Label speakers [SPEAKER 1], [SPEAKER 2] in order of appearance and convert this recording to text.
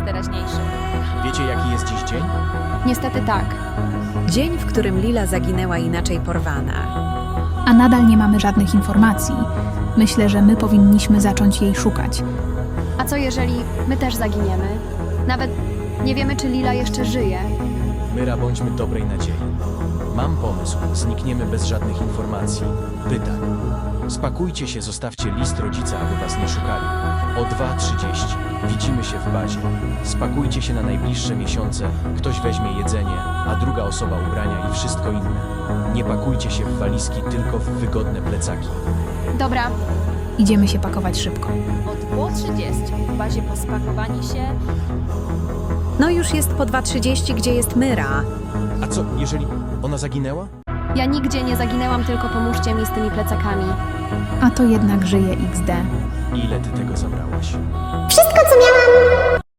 [SPEAKER 1] teraźniejszy.
[SPEAKER 2] Wiecie, jaki jest dziś dzień?
[SPEAKER 1] Niestety tak.
[SPEAKER 3] Dzień, w którym Lila zaginęła inaczej porwana.
[SPEAKER 4] A nadal nie mamy żadnych informacji. Myślę, że my powinniśmy zacząć jej szukać.
[SPEAKER 1] A co jeżeli my też zaginiemy? Nawet nie wiemy, czy Lila jeszcze żyje.
[SPEAKER 2] Myra, bądźmy dobrej nadziei. Mam pomysł. Znikniemy bez żadnych informacji, pytań. Spakujcie się, zostawcie list rodzica, aby was nie szukali. O 2:30 widzimy się w bazie. Spakujcie się na najbliższe miesiące. Ktoś weźmie jedzenie, a druga osoba ubrania i wszystko inne. Nie pakujcie się w walizki, tylko w wygodne plecaki.
[SPEAKER 1] Dobra,
[SPEAKER 4] Idziemy się pakować szybko.
[SPEAKER 5] O 2:30 w bazie po spakowaniu się.
[SPEAKER 3] No już jest po 2:30, gdzie jest Myra.
[SPEAKER 2] A co, jeżeli ona zaginęła?
[SPEAKER 1] ja nigdzie nie zaginęłam, tylko pomóżcie mi z tymi plecakami.
[SPEAKER 4] A to jednak żyje XD.
[SPEAKER 2] Ile ty tego zabrałaś?